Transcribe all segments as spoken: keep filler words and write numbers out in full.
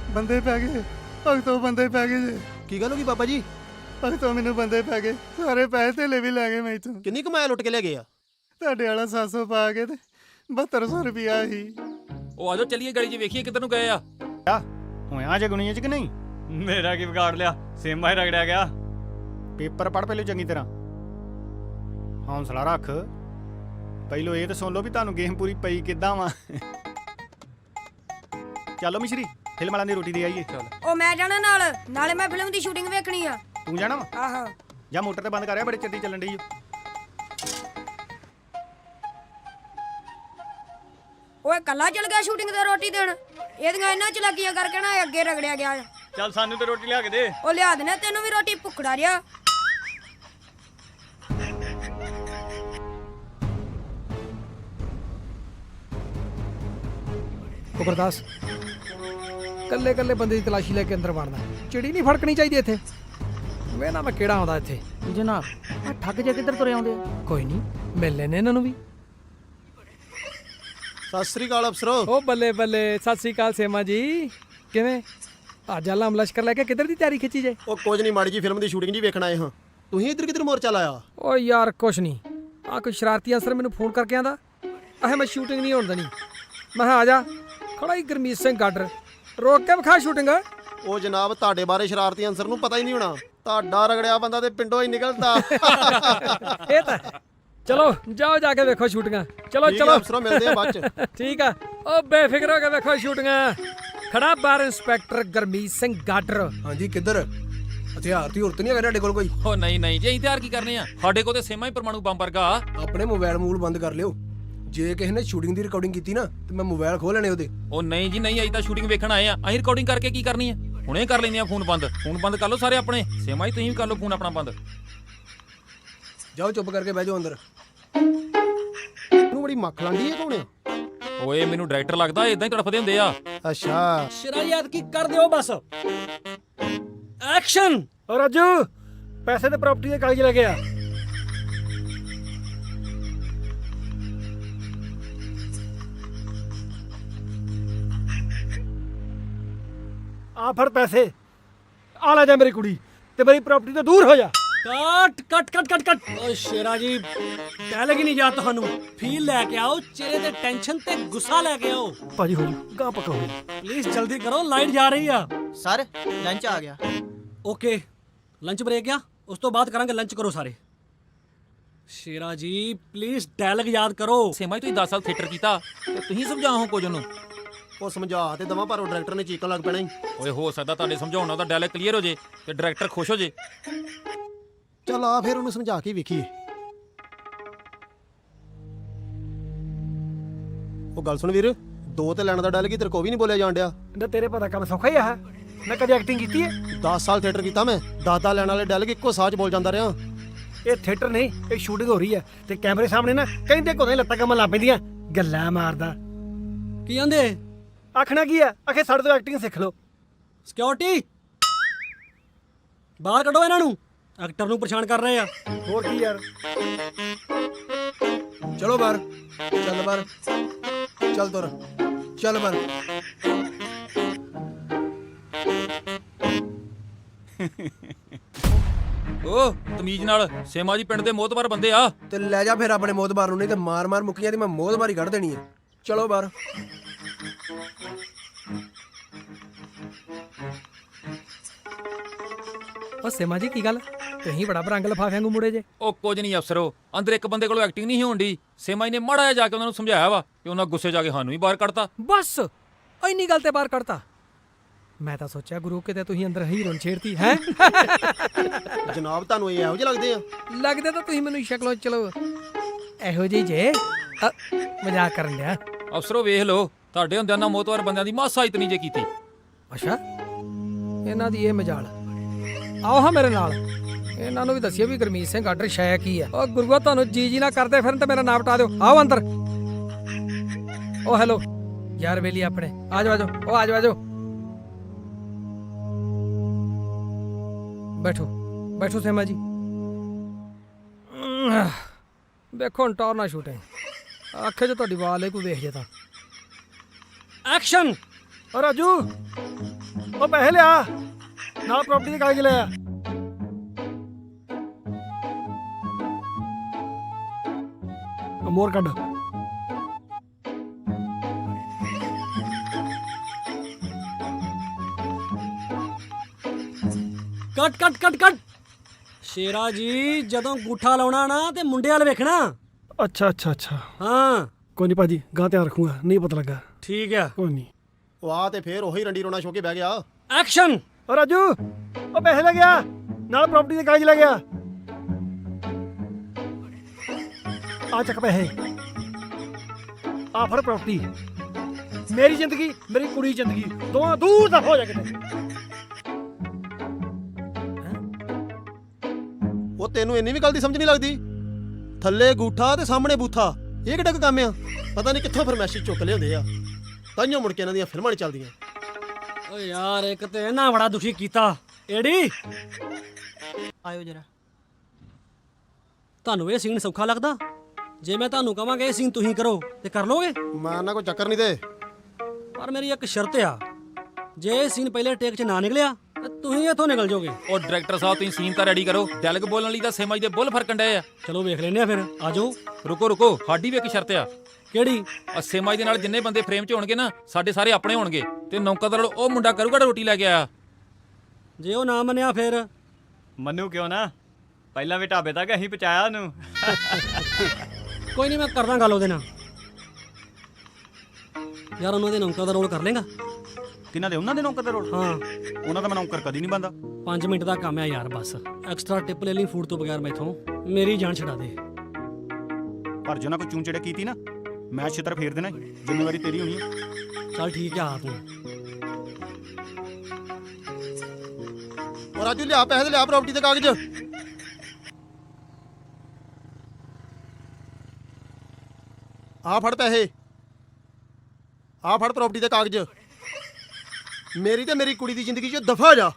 ਬੰਦੇ ਪੈ ਗਏ ਭਗਤੋਂ, ਬੰਦੇ ਪੈ ਗਏ ਜੇ। ਕੀ ਗੱਲ ਹੋ ਗਈ ਬਾਬਾ ਜੀ? ਭਗਤੋਂ ਮੈਨੂੰ ਬੰਦੇ ਪੈ ਗਏ, ਸਾਰੇ ਪੈਸੇ ਧੇਲੇ ਵੀ ਲੈ ਗਏ ਮੈਥੋਂ। ਕਿੰਨੀ ਕਮਾਇਆ ਲੁੱਟ ਕੇ ਲੈ ਗਏ ਆ? ਤੁਹਾਡੇ ਵਾਲਾ ਸੱਤ ਸੌ ਪਾ ਕੇ ਤੇ ਬਹੱਤਰ ਸੌ ਰੁਪਿਆ ਸੀ। ਉਹ ਆਜੋ ਚੱਲੀਏ ਗਲੀ 'ਚ ਵੇਖੀਏ ਕਿੱਧਰ ਨੂੰ ਗਏ ਆ। ਹੋਇਆ ਜਗਣੀਆਂ ਚ ਕਿ ਨਹੀਂ? ਮੇਰਾ ਕੀ ਵਿਗਾੜ ਲਿਆ, ਸੇਮਾ ਹੀ ਰਗੜਿਆ ਗਿਆ। ਪੇਪਰ ਪੜ੍ਹ ਪਹਿਲੇ ਚੰਗੀ ਤਰ੍ਹਾਂ, ਹੌਂਸਲਾ ਰੱਖ। ਪਹਿਲੋਂ ਇਹ ਤਾਂ ਸੁਣ ਲਓ ਵੀ ਤੁਹਾਨੂੰ ਗੇਮ ਪੂਰੀ ਪਈ ਕਿੱਦਾਂ ਵਾ। ਚਲੋ ਮਿਸ਼ਰੀ, ਫਿਲਮ ਵਾਲਿਆਂ ਦੀ ਰੋਟੀ ਦੇ ਆਈਏ। ਉਹ ਮੈਂ ਜਾਣਾ ਨਾਲ, ਨਾਲੇ ਮੈਂ ਫਿਲਮ ਦੀ ਸ਼ੂਟਿੰਗ ਵੇਖਣੀ ਆ। ਤੂੰ ਜਾਣਾ ਵਾ? ਆਹੋ। ਜਾਂ ਮੋਟਰ ਤੇ ਬੰਦ ਕਰਿਆ, ਬੜੇ ਚਿਰ ਦੀ ਚੱਲਣ ਡਈ ਓ। ਓਏ ਕੱਲਾ ਚਲ ਗਿਆ ਸ਼ੂਟਿੰਗ ਤੇ ਰੋਟੀ ਦੇਣ? ਇਹਦੀਆਂ ਇਹਨਾਂ ਚਲਾਕੀਆਂ ਕਰਕੇ ਨਾ ਅੱਗੇ ਰਗੜਿਆ ਗਿਆ। ਚੱਲ ਸਾਨੂੰ ਤੇ ਰੋਟੀ ਲਿਆ ਕੇ ਦੇ। ਉਹ ਲਿਆ ਦੇਣਾ ਤੈਨੂੰ ਵੀ ਰੋਟੀ, ਭੁੱਖੜਾ ਰਿਹਾ। ਉਹ ਗੁਰਦਾਸ, ਕੱਲੇ ਕੱਲੇ ਬੰਦੇ ਦੀ ਤਲਾਸ਼ੀ ਲੈ ਕੇ ਅੰਦਰ ਵੜਨਾ, ਚਿੜੀ ਨਹੀਂ ਫੜਕਣੀ ਚਾਹੀਦੀ ਇੱਥੇ। ਵੇਖਣਾ ਮੈਂ ਕਿਹੜਾ ਆਉਂਦਾ ਇੱਥੇ। ਜਨਾਬ ਆ ਠੱਗ ਜੇ ਕਿੱਧਰ ਤੁਰੇ ਆਉਂਦੇ ਆ? ਕੋਈ ਨਹੀਂ, ਮਿਲ ਲੈਨੇ ਇਹਨਾਂ ਨੂੰ ਵੀ। ਸਤਿ ਸ੍ਰੀ ਅਕਾਲ ਅਫਸਰੋ। ਉਹ ਬੱਲੇ ਬੱਲੇ, ਸਤਿ ਸ੍ਰੀ ਅਕਾਲ ਸੇਮਾ ਜੀ, ਕਿਵੇਂ? ਅੱਜ ਆਲਮ ਲਸ਼ਕਰ ਲੈ ਕੇ ਕਿੱਧਰ ਦੀ ਤਿਆਰੀ ਖਿੱਚੀ ਜੇ? ਉਹ ਕੁਝ ਨਹੀਂ, ਮਾੜੀ ਜੀ ਫਿਲਮ ਦੀ ਸ਼ੂਟਿੰਗ ਜੀ ਵੇਖਣ ਆਏ ਹਾਂ। ਤੁਸੀਂ ਇੱਧਰ ਕਿੱਧਰ ਮੋਰਚਾ ਲਾਇਆ? ਓ ਯਾਰ ਕੁਛ ਨਹੀਂ, ਆ ਕੋਈ ਸ਼ਰਾਰਤੀ ਅਸਰ ਮੈਨੂੰ ਫੋਨ ਕਰਕੇ ਆਂਦਾ ਆਹ ਮੈਂ ਸ਼ੂਟਿੰਗ ਨਹੀਂ ਹੋਣ ਦੇਣੀ। ਮੈਂ ਕਿਹਾ ਆ ਜਾ, ਖੜਾ ਹੀ ਗੁਰਮੀਤ ਸਿੰਘ ਗਾਡਰ, ਰੋਕ ਕੇ ਵਿਖਾ ਸ਼ੂਟਿੰਗ। ਉਹ ਜਨਾਬ, ਤੁਹਾਡੇ ਬਾਰੇ ਸ਼ਰਾਰਤੀ ਅਨਸਰ ਨੂੰ ਪਤਾ ਹੀ ਨਹੀਂ ਹੋਣਾ। ਤੁਹਾਡਾ ਰਗੜਿਆ ਬੰਦਾ ਤੇ ਪਿੰਡੋਂ ਹੀ ਨਿਕਲਦਾ। ਇਹ ਤਾਂ ਚਲੋ ਜਾਓ ਜਾ ਕੇ ਵੇਖੋ ਸ਼ੂਟਿੰਗਾਂ। ਚਲੋ ਠੀਕ ਹੈ ਚਲੋ ਅਫਸਰੋ, ਮਿਲਦੇ ਆ ਬਾਅਦ ਚ। ਠੀਕ ਆ, ਉਹ ਬੇਫਿਕਰ ਹੋ ਕੇ ਵੇਖੋ ਸ਼ੂਟਿੰਗਾਂ। ਖੜਾ ਬਾਰ ਇੰਸਪੈਕਟਰ ਗੁਰਮੀਤ ਸਿੰਘ ਗਾਡਰ। ਹਾਂਜੀ, ਕਿੱਧਰ? ਹਥਿਆਰ ਦੀ ਹੁਰਤ ਨਹੀਂ ਹੈਗਾ ਤੁਹਾਡੇ ਕੋਲ ਕੋਈ? ਉਹ ਨਹੀਂ ਨਹੀਂ ਜੀ, ਅਸੀਂ ਤਿਆਰ ਕੀ ਕਰਨੇ ਆ? ਸਾਡੇ ਕੋਲ ਤੇ ਸੇਮਾ ਹੀ ਪਰਮਾਣੂ ਬੰਬ ਵਰਗਾ। ਆਪਣੇ ਮੋਬਾਈਲ ਮੂਲ ਬੰਦ ਕਰ ਲਿਓ। ਜੇ ਕਿਸੇ ਨੇ ਸ਼ੂਟਿੰਗ ਦੀ ਰਿਕਾਰਡਿੰਗ ਕੀਤੀ ਨਾ ਤੇ ਮੈਂ ਮੋਬਾਈਲ ਖੋਹ ਲੈਣੇ ਉਹਦੇ। ਉਹ ਨਹੀਂ ਜੀ ਨਹੀਂ, ਅਸੀਂ ਤਾਂ ਸ਼ੂਟਿੰਗ ਵੇਖਣ ਆਏ ਆ। ਅਸੀਂ ਰਿਕਾਰਡਿੰਗ ਕਰਕੇ ਕੀ ਕਰਨੀ ਆ? ਹੁਣੇ ਕਰ ਲੈਂਦੇ ਆ ਫੋਨ ਬੰਦ। ਫੋਨ ਬੰਦ ਕਰ ਲਓ ਸਾਰੇ ਆਪਣੇ। ਸੇਮਾ ਹੀ ਤੁਸੀਂ ਵੀ ਕਰ ਲਓ ਫੋਨ ਆਪਣਾ ਬੰਦ। ਜਾਓ ਚੁੱਪ ਕਰਕੇ ਬਹਿ ਜਾਓ ਅੰਦਰ। ਇਹਨੂੰ ਬੜੀ ਮੱਖ ਲਾਂਦੀ ਹੈ ਕੌਣ ਆ? ਓਏ ਮੈਨੂੰ ਡਾਇਰੈਕਟਰ ਲੱਗਦਾ, ਇਦਾਂ ਹੀ ਤੜਫਦੇ ਹੁੰਦੇ ਆ। ਅੱਛਾ, ਸ਼ਰਾਇਤ ਕੀ ਕਰ ਦਿਓ ਬਸ। ਐਕਸ਼ਨ। ਓ ਰਾਜੂ, ਪੈਸੇ ਤੇ ਪ੍ਰਾਪਰਟੀ ਦੇ ਕਾਗਜ਼ ਲੈ ਕੇ ਆ। ਆ ਫੜ ਪੈਸੇ, ਆ ਲੈ ਜਾ ਮੇਰੀ ਕੁੜੀ ਤੇ ਮੇਰੀ ਪ੍ਰਾਪਰਟੀ ਤੋਂ ਦੂਰ ਹੋ ਜਾ। ਕੱਟ ਕੱਟ ਕੱਟ ਕੱਟ ਕੱਟ। ਓ ਸ਼ੇਰਾ ਜੀ, ਡਾਇਲੌਗ ਹੀ ਨਹੀਂ ਯਾਦ ਤੁਹਾਨੂੰ। ਫੀਲ ਲੈ ਕੇ ਆਓ, ਚਿਹਰੇ ਤੇ ਟੈਨਸ਼ਨ ਤੇ ਗੁੱਸਾ ਲੈ ਕੇ ਆਓ। ਭਾਜੀ ਹੋ ਜੂ ਗਾ ਪਕਾ ਹੋ। ਪਲੀਜ਼ ਜਲਦੀ ਕਰੋ, ਲਾਈਟ ਜਾ ਰਹੀ ਆ। ਸਰ ਲੰਚ ਆ ਗਿਆ। ਓਕੇ, ਲੰਚ ਬ੍ਰੇਕ ਆ, ਉਸ ਤੋਂ ਬਾਅਦ ਕਰਾਂਗੇ। ਲੰਚ ਕਰੋ ਸਾਰੇ। ਸ਼ੇਰਾ ਜੀ ਪਲੀਜ਼ ਡਾਇਲੌਗ ਯਾਦ ਕਰੋ। ਸੇਮਾ ਹੀ ਤੁਸੀਂ ਦਸ ਸਾਲ ਥੀਏਟਰ ਕੀਤਾ ਤੇ ਤੁਸੀਂ ਸਮਝਾਓ ਕੁਝ ਉਹਨੂੰ। ਉਹ ਸਮਝਾ ਤੇ ਦਵਾਂ, ਪਰ ਉਹ ਡਾਇਰੈਕਟਰ ਨੇ ਚੀਕਣ ਲੱਗ ਪੈਣਾ ਹੀ। ਓਏ ਹੋ ਸਕਦਾ ਤੁਹਾਡੇ ਸਮਝਾਉਣ ਨਾਲ ਉਹਦਾ ਡਾਇਲੌਗ ਕਲੀਅਰ ਹੋ ਜੇ ਤੇ ਡਾਇਰੈਕਟਰ ਖੁਸ਼ ਹੋ ਜੇ। ਚੱਲ ਆ ਫਿਰ ਉਹਨੂੰ ਸਮਝਾ ਕੇ ਵੇਖੀਏ। ਉਹ ਗੱਲ ਸੁਣ ਵੀਰ, ਦੋ ਤੇ ਲੈਣ ਦਾ ਡਾਇਲੌਗ ਤੇਰੇ ਕੋ ਵੀ ਨਹੀਂ ਬੋਲਿਆ ਜਾਣ ਡਿਆ। ਨਾ ਤੇਰੇ ਪਤਾ ਕੰਮ ਸੌਖਾ ਹੀ ਆ। ਮੈਂ ਕਦੇ ਐਕਟਿੰਗ ਕੀਤੀ ਹੈ? ਦਸ ਸਾਲ ਥੀਏਟਰ ਕੀਤਾ ਮੈਂ। ਦਸ ਦਸ ਲੈਣ ਵਾਲੇ ਡਾਇਲੌਗ ਇੱਕੋ ਸਾਹ 'ਚ ਬੋਲ ਜਾਂਦਾ ਰਿਹਾ। ਇਹ ਥੀਏਟਰ ਨਹੀਂ, ਇਹ ਸ਼ੂਟਿੰਗ ਹੋ ਰਹੀ ਹੈ ਤੇ ਕੈਮਰੇ ਸਾਹਮਣੇ ਨਾ ਕਹਿੰਦੇ ਕੋਨੇ ਲੱਤਾਂ ਕੰਮ ਲਾ ਪੈਂਦੀਆਂ। ਗੱਲਾਂ ਮਾਰਦਾ ਕੀ ਆਂਦੇ? ਆਖਣਾ ਕੀ ਆ? ਆਖੇ ਸਾਡੇ ਤੋਂ ਐਕਟਿੰਗ ਸਿੱਖ ਲਓ। ਸਿਕਿਉਰਿਟੀ ਬਾਹਰ ਕੱਢੋ ਇਹਨਾਂ ਨੂੰ, ਐਕਟਰ ਨੂੰ ਪਰੇਸ਼ਾਨ ਕਰ ਰਹੇ ਆ। ਹੋਰ ਕੀ ਯਾਰ। ਚਲੋ ਬਾਹਰ, ਚੱਲ ਬਾਹਰ, ਚੱਲ ਤੁਰ, ਚੱਲ ਬਾਹਰ। ਓ ਤਮੀਜ਼ ਨਾਲ, ਸੇਮਾ ਜੀ ਪਿੰਡ ਦੇ ਮੋਹਤਬਾਰ ਬੰਦੇ ਆ। ਤੇ ਲੈ ਜਾ ਫਿਰ ਆਪਣੇ ਮੋਦਬਾਰ ਨੂੰ, ਨਹੀਂ ਤੇ ਮਾਰ ਮਾਰ ਮੁੱਕੀਆਂ ਦੀ ਮੈਂ ਮੋਦਬਾਰੀ ਕੱਢ ਦੇਣੀ ਹੈ। ਚਲੋ ਬਾਹਰ। ਉਹ ਸੇਮਾ ਜੀ ਕੀ ਗੱਲ, ਤੁਸੀਂ ਬੜਾ ਬਰੰਗ ਲਫਾਫਿਆਂ ਨੂੰ ਮੁੜੇ ਜੇ। ਉਹ ਕੁਝ ਨਹੀਂ ਅਫਸਰੋ, ਅੰਦਰ ਇੱਕ ਬੰਦੇ ਕੋਲੋਂ ਐਕਟਿੰਗ ਨਹੀਂ ਹੋਣ ਦੀ। ਸੇਮਾ ਜੀ ਨੇ ਮਾੜਾ ਜਿਹਾ ਜਾ ਕੇ ਉਹਨਾਂ ਨੂੰ ਸਮਝਾਇਆ ਵਾ ਕਿ ਉਹਨਾਂ ਗੁੱਸੇ ਜਾ ਕੇ ਸਾਨੂੰ ਹੀ ਬਾਹਰ ਕੱਢਤਾ। ਬਸ ਇੰਨੀ ਗੱਲ ਤੇ ਬਾਹਰ ਕੱਢਤਾ। ਮੈਂ ਤਾਂ ਸੋਚਿਆ ਗੁਰੂ ਕਿਤੇ ਤੁਸੀਂ ਅੰਦਰ ਹੀਰੋਨ ਛੇੜਤੀ ਹੈ। ਜਨਾਬ ਤੁਹਾਨੂੰ ਇਹ ਇਹੋ ਜਿਹੇ ਲੱਗਦੇ ਆ? ਲੱਗਦੇ ਤਾਂ ਤੁਸੀਂ ਮੈਨੂੰ ਸ਼ਕਲੋਂ ਚਲੋ ਇਹੋ ਜਿਹੀ ਜੇ। ਅ, ਮਜ਼ਾਕ ਕਰਨ ਡਿਆ। ਅਫਸਰੋ ਵੇਖ ਲਓ, ਤੁਹਾਡੇ ਹੁੰਦਿਆਂ ਨਾਲ ਮੋਹਤਬਾਰ ਬੰਦਿਆਂ ਦੀ ਮਾਸਾ ਇਤਨੀ ਜੇ ਕੀਤੀ। ਅੱਛਾ, ਇਹਨਾਂ ਦੀ ਇਹ ਮਜਾਲ। ਆਓ ਹਾਂ ਮੇਰੇ ਨਾਲ, ਇਹਨਾਂ ਨੂੰ ਵੀ ਦੱਸਿਓ ਵੀ ਗੁਰਮੀਤ ਸਿੰਘ ਗਾਡਰ ਸ਼ੈ ਕੀ ਆ। ਉਹ ਗੁਰੂਆ, ਤੁਹਾਨੂੰ ਜੀ ਜੀ ਨਾ ਕਰਦੇ ਫਿਰਨ ਤੇ ਮੇਰਾ ਨਾਮ ਟਾ ਦਿਓ। ਆਓ ਅੰਦਰ। ਉਹ ਹੈਲੋ ਯਾਰ ਵੇਲੀ ਆਪਣੇ, ਆ ਜਾਓ ਆ ਜਾਓ। ਉਹ ਆ ਜਾਓ ਆ ਜਾਓ, ਬੈਠੋ ਬੈਠੋ ਸੇਮਾ ਜੀ। ਵੇਖੋ ਹੁਣ ਟੌਰ ਨਾ ਸ਼ੂਟਿੰਗ, ਆਖੇ ਜੇ ਤੁਹਾਡੀ ਵਾਲ ਕੋਈ ਵੇਖ ਜੇ ਤਾਂ। ਐਕਸ਼ਨ। ਓ ਰਾਜੂ, ਉਹ ਪੈਸੇ ਲਿਆ ਨਾਲ ਪ੍ਰਾਪਰਟੀ ਦੇ ਕਾਗਜ਼ ਲਿਆ। ਮੋਰ ਕੱਢ। ਕੱਟ ਕੱਟ ਕੱਟ ਕੱਟ ਸ਼ੇਰਾ ਜੀ ਜਦੋਂ ਗੂਠਾ ਲਾਉਣਾ ਨਾ ਤੇ ਮੁੰਡੇ ਵਾਲ ਵੇਖਣਾ। ਅੱਛਾ ਅੱਛਾ ਅੱਛਾ ਹਾਂ ਕੋਈ ਨਹੀਂ ਭਾਜੀ ਗਾਂ ਧਿਆਨ ਰੱਖੂਗਾ ਨਹੀਂ ਪਤਾ ਲੱਗਾ। ਠੀਕ ਆ ਕੋਈ ਨਹੀਂ। ਉਹ ਆ ਤੇ ਫੇਰ ਉਹੀ ਰੰਡੀ ਰੋਣਾ ਛੋ ਕੇ ਬਹਿ ਗਿਆ। ਐਕਸ਼ਨ। ਓ ਰਾਜੂ ਉਹ ਪੈਸੇ ਲੈ ਗਿਆ ਨਾਲ ਪ੍ਰਾਪਰਟੀ ਦੇ ਕਾਗਜ਼ ਲੈ ਗਿਆ। ਆ ਚੱਕ ਪੈਸੇ ਆ ਫੜ ਪ੍ਰਾਪਰਟੀ। ਮੇਰੀ ਜ਼ਿੰਦਗੀ ਮੇਰੀ ਕੁੜੀ ਜ਼ਿੰਦਗੀ ਦੋਵਾਂ ਦੂਰ ਦਾ ਹੋ ਜਾ ਕਿਤੇ। ਉਹ ਤੈਨੂੰ ਇੰਨੀ ਵੀ ਗੱਲ ਦੀ ਸਮਝ ਨਹੀਂ ਲੱਗਦੀ? ਥੱਲੇ ਗੂਠਾ ਤੇ ਸਾਹਮਣੇ ਬੂਥਾ, ਇਹ ਕਿੱਡਾ ਕੁ ਕੰਮ ਆ? ਪਤਾ ਨਹੀਂ ਕਿੱਥੋਂ ਫਰਮੈਸ਼ੀ ਚੁੱਕ ਲਿਆਉਂਦੇ ਆ, ਤਾਈਓ ਮੁੜ ਕੇ ਇਹਨਾਂ ਦੀਆਂ ਫਿਲਮਾਂ ਨਹੀਂ ਚੱਲਦੀਆਂ। ਓ ਯਾਰ ਇੱਕ ਤੇ ਇਹਨਾਂ ਬੜਾ ਦੁਖੀ ਕੀਤਾ। ਏੜੀ ਆਇਓ ਜਰਾ। ਤੁਹਾਨੂੰ ਇਹ ਸੀਨ ਸੌਖਾ ਲੱਗਦਾ? ਜੇ ਮੈਂ ਤੁਹਾਨੂੰ ਕਹਾਂਗਾ ਇਹ ਸੀਨ ਤੁਸੀਂ ਕਰੋ ਤੇ ਕਰ ਲੋਗੇ? ਮੈਂ ਨਾ ਕੋਈ ਚੱਕਰ ਨਹੀਂ ਤੇ। ਪਰ ਮੇਰੀ ਇੱਕ ਸ਼ਰਤ ਆ, ਜੇ ਇਹ ਸੀਨ ਪਹਿਲੇ ਟੇਕ 'ਚ ਨਾ ਨਿਕਲਿਆ ਤੇ ਤੁਸੀਂ ਇੱਥੋਂ ਨਿਕਲ ਜਾਓਗੇ। ਉਹ ਡਾਇਰੈਕਟਰ ਸਾਹਿਬ ਤੁਸੀਂ ਸੀਨ ਤਾਂ ਰੈਡੀ ਕਰੋ। ਡੈਲਗ ਬੋਲਣ ਲਈ ਤਾਂ ਸੇਮਾ ਜੀ ਦੇ ਬੁੱਲ ਫਰਕਣ ਡਏ ਆ। ਚਲੋ ਵੇਖ ਲੈਨੇ ਆ ਫਿਰ। ਆ ਜਾਓ। ਰੁਕੋ ਰੁਕੋ, ਸਾਡੀ ਵੀ ਇੱਕ ਸ਼ਰਤ ਆ। ਕਿਹੜੀ? ਆ ਸੇਮਾ ਜੀ ਦੇ ਨਾਲ ਜਿੰਨੇ ਬੰਦੇ ਫਰੇਮ 'ਚ ਹੋਣਗੇ ਨਾ, ਸਾਡੇ ਸਾਰੇ ਆਪਣੇ ਹੋਣਗੇ ਤੇ ਨੌਕਰ ਉਹ ਮੁੰਡਾ ਕਰੂਗਾ ਰੋਟੀ ਲੈ ਕੇ ਆਇਆ। ਜੇ ਉਹ ਨਾ ਮੰਨਿਆ ਫਿਰ? ਮੰਨੂ ਕਿਉਂ ਨਾ, ਪਹਿਲਾਂ ਵੀ ਢਾਬੇ ਤੱਕ ਅਸੀਂ ਪਹੁੰਚਾਇਆ ਉਹਨੂੰ। ਕੋਈ ਨਹੀਂ ਮੈਂ ਕਰਦਾ ਗੱਲ ਉਹਦੇ ਨਾਲ। ਯਾਰ ਉਹਨਾਂ ਦੇ ਨੌਕਰ ਦਾ ਰੋਲ ਕਰ ਲੇਗਾ? ਕਿਹਨਾਂ ਦੇ? ਉਹਨਾਂ ਦੇ ਨੌਕਰ ਦੇ ਰੋਲ? ਹਾਂ। ਉਹਨਾਂ ਦਾ ਮੈਂ ਨੌਕਰ ਕਦੀ ਨਹੀਂ ਬੰਦਾ। ਪੰਜ ਮਿੰਟ ਦਾ ਕੰਮ ਹੈ ਯਾਰ ਬਸ। ਐਕਸਟਰਾ ਟਿਪ ਲੈ ਲਈ ਫੂਡ ਤੋਂ ਬਗੈਰ ਮੈਥੋਂ। ਮੇਰੀ ਜਾਨ ਛਡਾ ਦੇ। ਪਰ ਜੇ ਉਹਨਾਂ ਕੋਈ ਚੂੰਚੜੇ ਕੀਤੀ ਨਾ, ਮੈਂ ਛਿੱਤਰ ਫੇਰ ਦੇਣਾ, ਜ਼ਿੰਮੇਵਾਰੀ ਤੇਰੀ ਹੋਣੀ ਹੈ। ਚੱਲ ਠੀਕ ਆ ਤੂੰ। ਉਹ ਰਾਜੂ ਲਿਆ ਪੈਸੇ ਤੇ ਲਿਆ ਪ੍ਰਾਪਰਟੀ ਦੇ ਕਾਗਜ਼। ਆ ਫੜ ਪੈਸੇ, ਆ ਫੜ ਪ੍ਰਾਪਰਟੀ ਦੇ ਕਾਗਜ਼। ਮੇਰੀ ਤੇ ਮੇਰੀ ਕੁੜੀ ਦੀ ਜ਼ਿੰਦਗੀ 'ਚ ਦਫਾ ਜਾ।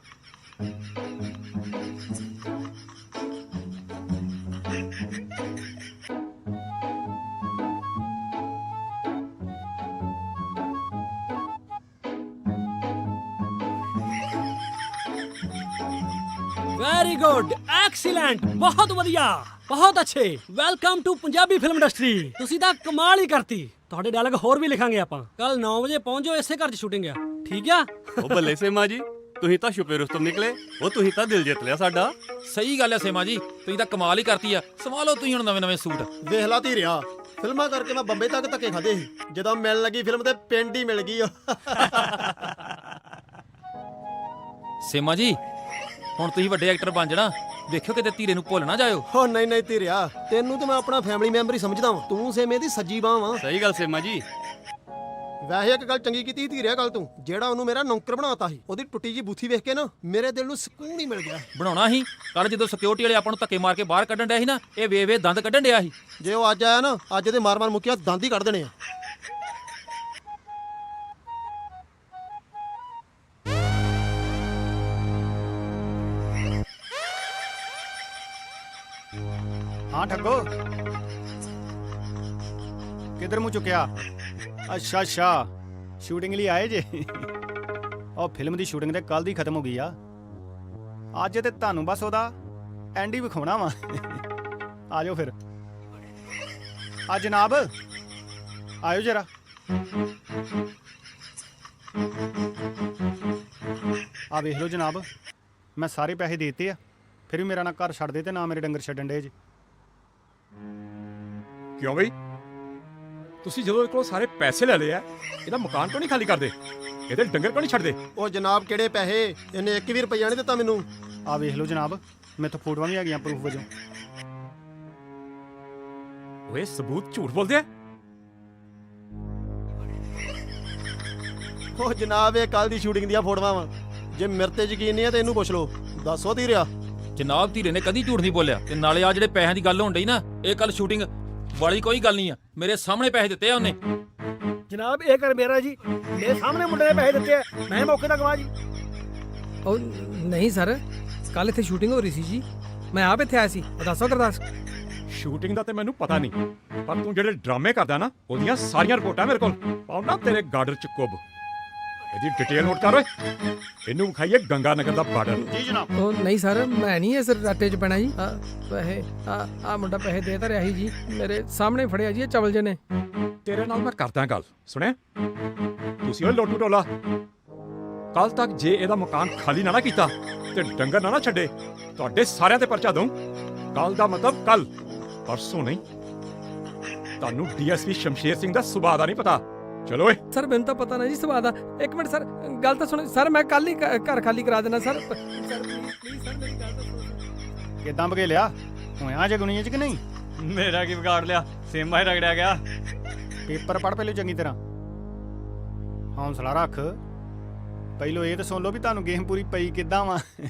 ਵੈਰੀ ਗੁੱਡ, ਐਕਸੀਲੈਂਟ, ਬਹੁਤ ਵਧੀਆ, ਬਹੁਤ ਅੱਛੇ। Welcome to Punjabi film industry. ਤੁਸੀਂ ਤਾਂ ਕਮਾਲ ਹੀ ਕਰਤੀ। ਤੁਹਾਡੇ ਡਾਇਲੌਗ ਹੋਰ ਵੀ ਲਿਖਾਂਗੇ ਆਪਾਂ। ਕੱਲ ਨੌ ਵਜੇ ਪਹੁੰਚ ਜਾਓ, ਇਸੇ ਘਰ 'ਚ ਸ਼ੂਟਿੰਗ ਆ, ਠੀਕ ਆ? ਉਹ ਬੱਲੇ ਸੇਮਾ ਜੀ, ਤੁਸੀਂ ਤਾਂ ਛੁਪੇ ਰੁਸਤਮ ਨਿਕਲੇ। ਉਹ ਤੁਸੀਂ ਤਾਂ ਦਿਲ ਜਿੱਤ ਲਿਆ ਸਾਡਾ। ਸਹੀ ਗੱਲ ਹੈ ਸੇਮਾ ਜੀ, ਤੁਸੀਂ ਤਾਂ ਕਮਾਲ ਹੀ ਕਰਤੀ ਆ। ਸੰਭਾਲੋ ਤੁਸੀਂ ਹੁਣ ਨਵੇਂ ਨਵੇਂ ਸੂਟ। ਵੇਖ ਲਾ ਧੀਰਿਆ, ਫਿਲਮਾਂ ਕਰਕੇ ਮੈਂ ਬੰਬੇ ਤੱਕ ਧੱਕੇ ਖਾਦੇ ਸੀ, ਜਦੋਂ ਮਿਲਣ ਲੱਗੀ ਫਿਲਮ ਤੇ ਪਿੰਡ ਹੀ ਮਿਲ ਗਈ। ਸੇਮਾ ਜੀ ਹੁਣ ਤੁਸੀਂ ਵੱਡੇ ਐਕਟਰ ਬਣ ਜਾਣਾ, ਵੇਖਿਓ ਕਿਤੇ ਧੀਰੇ ਨੂੰ ਭੁੱਲ ਨਾ ਜਾਇਓ। ਹੋ ਨਹੀਂ ਨਹੀਂ ਧੀਰਿਆ, ਤੈਨੂੰ ਤਾਂ ਮੈਂ ਆਪਣਾ ਫੈਮਿਲੀ ਮੈਂਬਰ ਹੀ ਸਮਝਦਾ ਵਾਂ। ਤੂੰ ਸੇਮੇ ਦੀ ਸੱਜੀ ਬਾਂਹ ਵਾਂ। ਸਹੀ ਗੱਲ ਸੇਮਾ ਜੀ। ਵੈਸੇ ਇੱਕ ਗੱਲ ਚੰਗੀ ਕੀਤੀ ਧੀਰਿਆ, ਗੱਲ ਤੂੰ ਜਿਹੜਾ ਉਹਨੂੰ ਮੇਰਾ ਨੌਕਰ ਬਣਾਤਾ ਸੀ, ਉਹਦੀ ਟੁੱਟੀ ਜੀ ਬੂਥੀ ਵੇਖ ਕੇ ਨਾ ਮੇਰੇ ਦਿਲ ਨੂੰ ਸਕੂਨ ਹੀ ਮਿਲ ਗਿਆ। ਬਣਾਉਣਾ ਸੀ। ਕੱਲ ਜਦੋਂ ਸਿਕਿਉਰਿਟੀ ਵਾਲੇ ਆਪਾਂ ਨੂੰ ਧੱਕੇ ਮਾਰ ਕੇ ਬਾਹਰ ਕੱਢਣ ਡਿਆ ਸੀ ਨਾ, ਇਹ ਵੇ ਵੇ ਦੰਦ ਕੱਢਣ ਡਿਆ ਸੀ। ਜੇ ਉਹ ਅੱਜ ਆਇਆ ਨਾ, ਅੱਜ ਦੇ ਮਾਰ ਮਾਰ ਮੁੱਕਿਆ ਦੰਦ ਹੀ ਕੱਢ ਦੇਣੇ ਆ। ਹਾਂ ਠੱਗੋ, ਕਿੱਧਰ ਮੂੰਹ ਚੁੱਕਿਆ? ਅੱਛਾ ਅੱਛਾ, ਸ਼ੂਟਿੰਗ ਲਈ ਆਏ ਜੇ? ਉਹ ਫਿਲਮ ਦੀ ਸ਼ੂਟਿੰਗ ਤੇ ਕੱਲ ਦੀ ਖਤਮ ਹੋ ਗਈ ਆ। ਅੱਜ ਤੇ ਤੁਹਾਨੂੰ ਬਸ ਉਹਦਾ ਐਂਡ ਹੀ ਵਿਖਾਉਣਾ ਵਾ। ਆ ਜਾਓ ਫਿਰ। ਆ ਜਨਾਬ ਆਇਓ ਜਰਾ। ਆ ਵੇਖ ਲਓ ਜਨਾਬ, ਮੈਂ ਸਾਰੇ ਪੈਸੇ ਦੇਤੇ ਆ, ਫਿਰ ਵੀ ਮੇਰਾ ਨਾ ਘਰ ਛੱਡ ਦੇ ਤੇ ਨਾ ਮੇਰੇ ਡੰਗਰ ਛੱਡਣ ਡੇ ਜੇ। ਕਿਉਂ ਬਈ? ਤੁਸੀਂ ਜਦੋਂ ਕੋਲ ਸਾਰੇ ਪੈਸੇ ਲੈ ਲਏ ਆ, ਇਹਦਾ ਮਕਾਨ ਕਿਉਂ ਨਹੀਂ ਖਾਲੀ ਕਰਦੇ? ਇਹਦੇ ਡੰਗਰ ਕਿਉਂ ਨਹੀਂ ਛੱਡਦੇ? ਉਹ ਜਨਾਬ ਕਿਹੜੇ ਪੈਸੇ? ਇਹਨੇ ਇੱਕ ਵੀ ਰੁਪਈਆ ਨਹੀਂ ਦਿੱਤਾ ਮੈਨੂੰ। ਆ ਵੇਖ ਲਓ ਜਨਾਬ, ਮੇਰੇ ਤੋਂ ਫੋਟੋਆਂ ਵੀ ਹੈਗੀਆਂ ਪ੍ਰੂਫ ਵਜੋਂ। ਓਏ ਸਬੂਤ ਝੂਠ ਬੋਲਦੇ ਆ। ਉਹ ਜਨਾਬ ਇਹ ਕੱਲ ਦੀ ਸ਼ੂਟਿੰਗ ਦੀਆਂ ਫੋਟੋਆਂ ਵਾ। ਜੇ ਮੇਰੇ ਤੇ ਯਕੀਨ ਨਹੀਂ ਹੈ ਤੇ ਇਹਨੂੰ ਪੁੱਛ ਲਓ। ਦੱਸੋ ਧੀਰਿਆ। ਜਨਾਬ ਧੀਰੇ ਨੇ ਕਦੀ ਝੂਠ ਨਹੀਂ ਬੋਲਿਆ। ਤੇ ਨਾਲੇ ਆ ਜਿਹੜੇ ਪੈਸਿਆਂ ਦੀ ਗੱਲ ਹੋਣ ਡਈ ਨਾ, ਇਹ ਕੱਲ ਸ਼ੂਟਿੰਗ ਵਾਲੀ ਕੋਈ ਗੱਲ ਨਹੀਂ ਆ। ਮੇਰੇ ਸਾਹਮਣੇ ਪੈਸੇ ਦਿੱਤੇ ਆ ਉਹਨੇ। ਜਨਾਬ ਇਹ ਕਰ ਮੇਰਾ ਜੀ, ਮੇਰੇ ਸਾਹਮਣੇ ਮੁੰਡੇ ਨੇ ਪੈਸੇ ਦਿੱਤੇ ਆ, ਮੈਂ ਮੌਕੇ ਦਾ ਗਵਾਹ ਜੀ। ਉਹ ਨਹੀਂ ਸਰ, ਕੱਲ ਇੱਥੇ ਸ਼ੂਟਿੰਗ ਹੋ ਰਹੀ ਸੀ ਜੀ, ਮੈਂ ਆਪ ਇੱਥੇ ਆਇਆ ਸੀ। ਦੱਸੋ ਗੁਰਦਾਸ। ਸ਼ੂਟਿੰਗ ਦਾ ਤੇ ਮੈਨੂੰ ਪਤਾ ਨਹੀਂ, ਪਰ ਤੂੰ ਜਿਹੜੇ ਡਰਾਮੇ ਕਰਦਾ ਨਾ, ਉਹਦੀਆਂ ਸਾਰੀਆਂ ਰਿਪੋਰਟਾਂ ਮੇਰੇ ਕੋਲ। ਪਾਉਣਾ ਤੇਰੇ ਗਾਰਡਰ ਚ ਕੁੱਬ। ਇਹਦੀ ਡਿਟੇਲ ਨੋਟ ਕਰ ਓਏ। ਇਹਨੂੰ ਵਿਖਾਈਏ ਗੰਗਾ ਨਗਰ ਦਾ ਬਾਰਡਰ। ਜੀ ਜਨਾਬ। ਉਹ ਨਹੀਂ ਸਰ ਮੈਂ ਨਹੀਂ ਇਸ ਰੱਟੇ 'ਚ ਪੈਣਾ ਜੀ ਆ ਪੈਸੇ ਆ ਆ ਮੁੰਡਾ ਪੈਸੇ ਦੇ ਤਾਂ ਰਿਹਾ ਸੀ ਜੀ ਮੇਰੇ ਸਾਹਮਣੇ ਫੜਿਆ ਜੀ ਇਹ ਚਵਲ ਜੇ ਨੇ। ਤੇਰੇ ਨਾਲ ਮੈਂ ਕਰਦਾ ਗੱਲ, ਸੁਣਿਆ? ਤੁਸੀਂ ਓਏ ਲੋਟੂ ਟੋਲਾ, ਕੱਲ ਤੱਕ ਜੇ ਇਹਦਾ ਮਕਾਨ ਖਾਲੀ ਨਾ ਨਾ ਕੀਤਾ ਤੇ ਡੰਗਰ ਨਾ ਨਾ ਛੱਡੇ, ਤੁਹਾਡੇ ਸਾਰਿਆਂ ਤੇ ਪਰਚਾ ਦਊਂ। ਕੱਲ ਦਾ ਮਤਲਬ ਕੱਲ, ਪਰਸੋਂ ਨਹੀਂ। ਤੁਹਾਨੂੰ ਡੀਐਸਪੀ ਸ਼ਮਸ਼ੇਰ ਸਿੰਘ ਦਾ ਸੁਭਾਅ ਦਾ ਨਹੀਂ ਪਤਾ। ਚਲੋ ਓਏ। ਸਰ ਮੈਨੂੰ ਤਾਂ ਪਤਾ ਨਾ ਜੀ ਸਵਾਦ ਆ। ਇੱਕ ਮਿੰਟ ਸਰ ਗੱਲ ਤਾਂ ਸੁਣੋ ਸਰ, ਮੈਂ ਕੱਲ ਹੀ ਘ- ਘਰ ਖਾਲੀ ਕਰਾ ਦੇਣਾ sir. Sir please please sir ਮੇਰੀ ਗੱਲ ਤਾਂ ਸੁਣੋ। ਕਿਦਾਂ ਬਗੇ ਲਿਆ ਹੋਇਆ ਜੇ ਗੁਣੀਆਂ ਚ ਕਿ ਨਹੀਂ? ਮੇਰਾ ਕੀ ਵਿਗਾੜ ਲਿਆ, ਸੇਮਾ ਹੀ ਰਗੜਿਆ ਗਿਆ। ਪੇਪਰ ਪੜ੍ਹ ਪਹਿਲੇ ਚੰਗੀ ਤਰ੍ਹਾਂ, ਹੌਂਸਲਾ ਰੱਖ। ਪਹਿਲੋਂ ਇਹ ਤਾਂ ਸੁਣ ਲਓ ਵੀ ਤੁਹਾਨੂੰ ਗੇਮ ਪੂਰੀ ਪਈ ਕਿੱਦਾਂ ਵਾ।